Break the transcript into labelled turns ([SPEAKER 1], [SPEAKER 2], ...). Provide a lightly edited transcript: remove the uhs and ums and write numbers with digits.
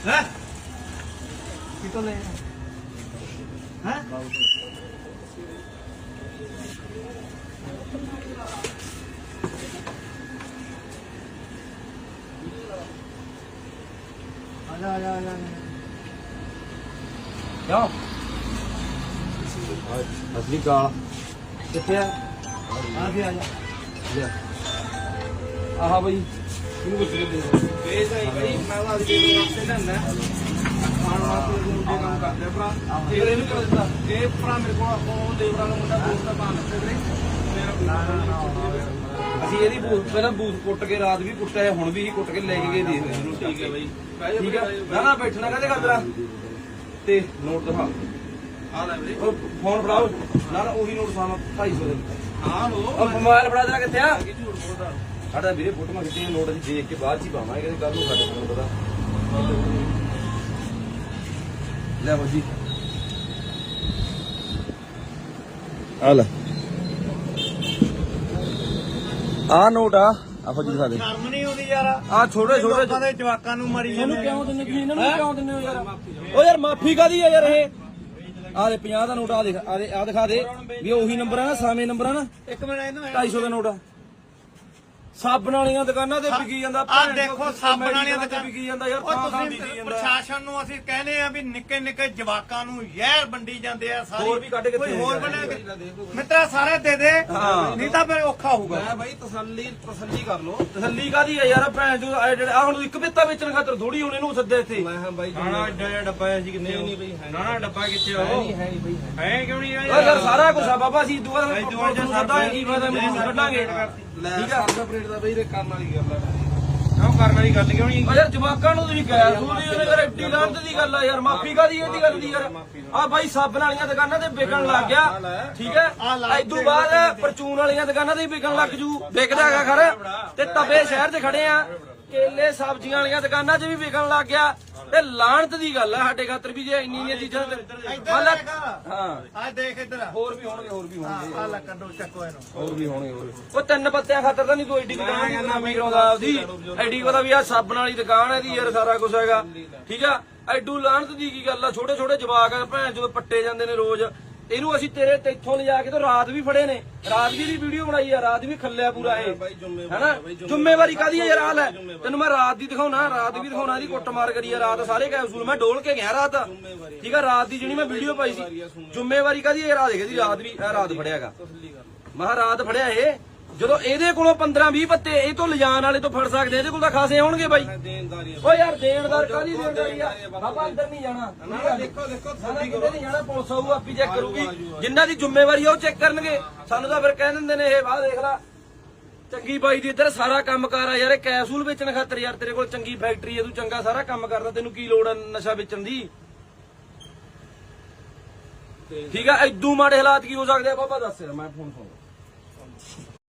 [SPEAKER 1] है कितो ले हैं आजा आजा आजा क्यों असली का कितने आगे आजा ले आहा भाई ਇਹਨੂੰ ਕੁਝ ਦੇ ਦੇ ਵੇਚ ਆਈ ਭਾਈ ਮੈਂ ਤਾਂ ਅੱਜ ਦੇ ਵਾਸਤੇ ਲੈਂਦਾ ਖਾਣ ਵਾਸਤੇ ਜਿਹੜੇ ਕੰਮ ਕਰਦੇ ਭਰਾ ਫਿਰ ਇਹਨੂੰ ਕਰ ਦਿੱਤਾ ਇਹ ਭਰਾ ਮੇਰੇ ਕੋਲ ਉਹ ਦੇਵਰਾ ਦਾ ਮੁੰਡਾ ਦੋਸਤ ਦਾ ਬਾਣ ਲੱਗੇ ਵੀਰੇ ਮੇਰਾ ਅਸੀਂ ਇਹਦੀ ਬੂਥ ਪਹਿਲਾਂ ਬੂਥ ਕੁੱਟ ਕੇ ਰਾਤ ਵੀ ਕੁੱਟਿਆ ਹੁਣ ਵੀ ਹੀ ਕੁੱਟ ਕੇ ਲੈ ਕੇ ਗਏ ਦੇਖ ਇਹਨੂੰ ਠੀਕ ਹੈ ਬਾਈ ਠੀਕ ਹੈ ਨਾ ਨਾ ਬੈਠਣਾ ਕਹਦੇ ਕਰਦਰਾ ਤੇ ਨੋਟ ਦਿਖਾ ਆ ਲੈ ਵੀਰੇ ਉਹ ਫੋਨ ਫੜਾਓ ਨਾ ਨਾ ਉਹੀ ਨੋਟ ਸਾਮਾ 250 ਦੇ ਹਾਂ ਲੋ ਉਹ ਮੋਬਾਈਲ ਫੜਾ ਦੇਣਾ ਕਿੱਥੇ ਆ ਝੂਠ ਬੋਲਦਾ ਸਾਡਾ ਵੀਰੇ ਫੋਟੋਆਂ ਖਿੱਚੀਆਂ ਨੋਟ ਅਸੀਂ ਦੇਖ ਕੇ ਬਾਅਦ ਚ ਹੀ ਪਾਵਾਂਗੇ ਕਿ ਕੱਲ ਨੂੰ ਸਾਡੇ ਕੋਲ ਪਤਾ ਲੈ ਬਾਜੀ ਆ ਲੈ ਆ ਨੋਟ ਆ ਆਹੋ ਜੀ ਦਿਖਾ ਦੇ ਸ਼ਰਮ ਨਹੀਂ ਆਉਂਦੀ ਯਾਰ ਆ ਛੋਟੇ ਛੋਟੇ ਦੇ ਜਵਾਕਾਂ ਨੂੰ ਮਾਰੀ ਜਾਂਦੇ ਇਹਨੂੰ ਕਿਉਂ ਦਿੰਦੇ ਤੁਸੀਂ ਇਹਨਾਂ ਨੂੰ ਕਿਉਂ ਦਿੰਦੇ ਹੋ ਯਾਰ ਓ ਯਾਰ ਮਾਫੀ ਕਾਦੀ ਆ ਯਾਰ ਇਹ ਆ ਦੇ 50 ਦਾ ਨੋਟ ਆ ਦੇਖ ਆ ਦਿਖਾ ਦੇ ਵੀ ਉਹੀ ਨੰਬਰ ਆ ਨਾ ਸਾਵੇਂ ਨੰਬਰ ਆ ਨਾ ਇੱਕ ਮਿੰਟ ਇਹਨੂੰ 250 ਦਾ ਨੋਟ ਆ ਸਾਬਣ ਵਾਲੀਆਂ ਦੁਕਾਨਾਂ ਤੇ ਵਿਕੀ ਜਾਂਦਾ
[SPEAKER 2] ਆ ਦੇਖੋ ਸਾਬਣ ਵਾਲੀਆਂ
[SPEAKER 1] ਤੇ ਵਿਕੀ ਜਾਂਦਾ ਯਾਰ ਤਾਂ ਵਿਕੀ ਜਾਂਦਾ
[SPEAKER 2] ਪ੍ਰਸ਼ਾਸਨ ਨੂੰ ਅਸੀਂ ਕਹਿੰਦੇ ਆ ਵੀ ਨਿੱਕੇ ਨਿੱਕੇ ਜਵਾਕਾਂ ਨੂੰ ਜ਼ਹਿਰ ਵੰਡੀ ਜਾਂਦੇ ਆ ਸਾਰੇ
[SPEAKER 1] ਹੋਰ ਵੀ ਕੱਢ ਕੇ
[SPEAKER 2] ਕੋਈ ਹੋਰ ਬਣਾ ਮਿੱਤਰਾ ਸਾਰੇ ਦੇ ਦੇ ਨਹੀਂ ਤਾਂ ਫਿਰ ਔਖਾ ਹੋਊਗਾ
[SPEAKER 1] ਮੈਂ ਬਾਈ ਤਸੱਲੀ ਕਰ ਲੋ ਤਸੱਲੀ ਕਾਦੀ ਆ ਯਾਰ ਭੈਣ ਜੋ ਆ ਹੁਣ ਇੱਕ ਬਿੱਤਾ ਵੇਚਣ ਖਾਤਰ ਥੋੜੀ ਹੁਣ ਇਹਨੂੰ ਸੱਦੇ ਇੱਥੇ
[SPEAKER 2] ਮੈਂ ਹਾਂ ਬਾਈ ਨਾ ਐਡਾ ਡੱਬਾ ਹੈ ਜੀ ਕਿੰਨੇ ਨਹੀਂ ਬਈ ਨਾ ਡੱਬਾ ਕਿੱਥੇ ਆ ਉਹ
[SPEAKER 1] ਹੈ ਨਹੀਂ ਬਈ
[SPEAKER 2] ਹੈ ਕਿਉਂ ਨਹੀਂ
[SPEAKER 1] ਯਾਰ ਸਾਰਾ ਕੁਝ ਆ ਬਾਬਾ ਅਸੀਂ ਦੁਆ ਸੱਦਾ ਕੀ ਫਾਇਦਾ ਮੈਨੂੰ ਕੱਢਾਂਗੇ ਠੀਕ ਆ
[SPEAKER 2] ਪਲੇਟ ਦਾ ਬਈ ਕਰਨ ਵਾਲੀ ਗੱਲ ਆ ਕਿਉਂ ਕਰਨ ਵਾਲੀ ਗੱਲ ਕਿਉਂ ਨਹੀਂ
[SPEAKER 1] ਯਾਰ ਜਵਾਕਾਂ ਨੂੰ ਤੁਸੀਂ ਕਹਿਆ ਸੂਰੀ ਉਹਨੇ ਯਾਰ ਐਡੀ ਲਾਂਤ ਦੀ ਗੱਲ ਆ ਯਾਰ ਮਾਫੀ ਕਾਦੀ ਇਹਦੀ ਗੱਲ ਦੀ ਯਾਰ ਆ ਬਾਈ ਸਾਬਣ ਵਾਲੀਆਂ ਦੁਕਾਨਾਂ ਤੇ ਵਿਕਣ ਲੱਗ ਗਿਆ ਠੀਕ ਹੈ ਇਦੋਂ ਬਾਅਦ ਪਰਚੂਨ ਵਾਲੀਆਂ ਦੁਕਾਨਾਂ ਤੇ ਵੀ ਵਿਕਣ ਲੱਗ ਜੂ ਵਿਕਦਾ ਹੈਗਾ ਖਰ ਤੇ ਤਵੇ ਸ਼ਹਿਰ 'ਚ ਖੜੇ ਆ ਕੇਲੇ ਸਬਜ਼ੀਆਂ ਵਾਲੀਆਂ ਦੁਕਾਨਾਂ 'ਚ ਵੀ ਵਿਕਣ ਲੱਗ ਗਿਆ ਤੇ ਲਾਂਤ ਦੀ ਗੱਲ ਆ ਸਾਡੇ ਖਾਤਰ ਵੀ ਜੇ ਇੰਨੀਆਂ ਚੀਜ਼ਾਂ
[SPEAKER 2] ਹਾਂ ਆ ਦੇਖ ਇੱਧਰ
[SPEAKER 1] ਹੋਰ ਵੀ ਹੋਣਗੇ
[SPEAKER 2] ਆ ਲੈ ਕੱਢੋ ਚੱਕੋ ਇਹਨੂੰ
[SPEAKER 1] ਹੋਰ ਵੀ ਹੋਣਗੇ ਉਹ ਤਿੰਨ ਪੱਤਿਆਂ ਖਾਤਰ ਤਾਂ ਨਹੀਂ ਤੂੰ ਐਡੀ ਦੁਕਾਨ ਨਾਮੀ ਕਰਾਉਂਦਾ ਆਪਦੀ ਐਡੀ ਪਤਾ ਵੀ ਆ ਸਾਬਣ ਵਾਲੀ ਦੁਕਾਨ ਹੈ ਦੀ ਯਾਰ ਸਾਰਾ ਕੁਝ ਹੈਗਾ ਠੀਕ ਆ ਐਡੂ ਲਾਂਤ ਦੀ ਕੀ ਗੱਲ ਆ ਛੋਟੇ ਛੋਟੇ ਜਵਾਕ ਆ ਭੈਣ ਜਦੋਂ ਪੱਟੇ ਜਾਂਦੇ ਨੇ ਰੋਜ਼ ਇਹਨੂੰ ਅਸੀਂ ਤੇਰੇ ਤੇ ਇੱਥੋਂ ਲਿਜਾ ਕੇ ਤਾਂ ਰਾਤ ਵੀ ਫੜੇ ਨੇ ਰਾਤ ਵੀ ਦੀ ਵੀਡੀਓ ਬਣਾਈ ਆ ਰਾਤ ਵੀ ਖੱਲਿਆ ਪੂਰਾ ਇਹ ਹੈਨਾ ਜ਼ਿੰਮੇਵਾਰੀ ਕਾਦੀ ਆ ਯਾਰ ਆ ਲੈ ਤੈਨੂੰ ਮੈਂ ਰਾਤ ਦੀ ਦਿਖਾਉਣਾ ਰਾਤ ਵੀ ਦਿਖਾਉਣਾ ਇਹਦੀ ਕੁੱਟਮਾਰ ਕਰੀ ਆ ਰਾਤ ਸਾਰੇ ਕੈਪਸੂਲ ਮੈਂ ਡੋਲ ਕੇ ਗਿਆ ਰਾਤ ਠੀਕ ਆ ਰਾਤ ਦੀ ਜਿਹੜੀ ਮੈਂ ਵੀਡੀਓ ਪਾਈ ਸੀ ਜ਼ਿੰਮੇਵਾਰੀ ਕਾਦੀ ਯਾਰ ਆ ਦੇਖ ਇਹਦੀ ਰਾਤ ਵੀ ਆ ਰਾਤ ਫੜਿਆਗਾ ਮੈਂ ਰਾਤ ਫੜਿਆ ਇਹ ਜਦੋਂ ਇਹਦੇ ਕੋਲੋਂ 15-20 ਪੱਤੇ ਇਹ ਤੋਂ ਲਿਜਾਣ ਵਾਲੇ ਤੋਂ ਫੜ ਸਕਦੇ ਇਹਦੇ ਕੋਲ ਤਾਂ ਖਾਸੇ ਹੋਣਗੇ ਬਾਈ ਓ ਯਾਰ ਦੇਣਦਾਰ ਕਾਹਦੀ ਦੇਣਦਾਰੀ ਆ ਬਾਬਾ ਅੰਦਰ ਨਹੀਂ ਜਾਣਾ
[SPEAKER 2] ਦੇਖੋ
[SPEAKER 1] ਕਿਤੇ ਨਹੀਂ ਜਾਣਾ ਪੁਲਿਸ ਆਊ ਆਪੀ ਚੈੱਕ ਕਰੂਗੀ ਜਿੰਨਾਂ ਦੀ ਜ਼ਿੰਮੇਵਾਰੀ ਆ ਉਹ ਚੈੱਕ ਕਰਨਗੇ ਸਾਨੂੰ ਤਾਂ ਫਿਰ ਕਹਿ ਦਿੰਦੇ ਨੇ ਇਹ ਵਾਹ ਦੇਖ ਲੈ ਚੰਗੀ ਬਾਈ ਦੀ ਇੱਧਰ ਸਾਰਾ ਕੰਮ ਕਾਰ ਆ ਯਾਰ ਇਹ ਕੈਪਸੂਲ ਵੇਚਣ ਖਾਤਰ ਯਾਰ ਤੇਰੇ ਕੋਲ ਚੰਗੀ ਫੈਕਟਰੀ ਆ ਤੂੰ ਚੰਗਾ ਸਾਰਾ ਕੰਮ ਕਰਦਾ ਤੈਨੂੰ ਕੀ ਲੋੜ ਆ ਨਸ਼ਾ ਵੇਚਣ ਦੀ ਠੀਕ ਆ ਇਦੋਂ ਮਾੜੇ ਹਾਲਾਤ ਕੀ ਹੋ ਸਕਦੇ ਆ ਬਾਬਾ ਦੱਸ ਮੈਂ ਫੋਨ ਸੁਣ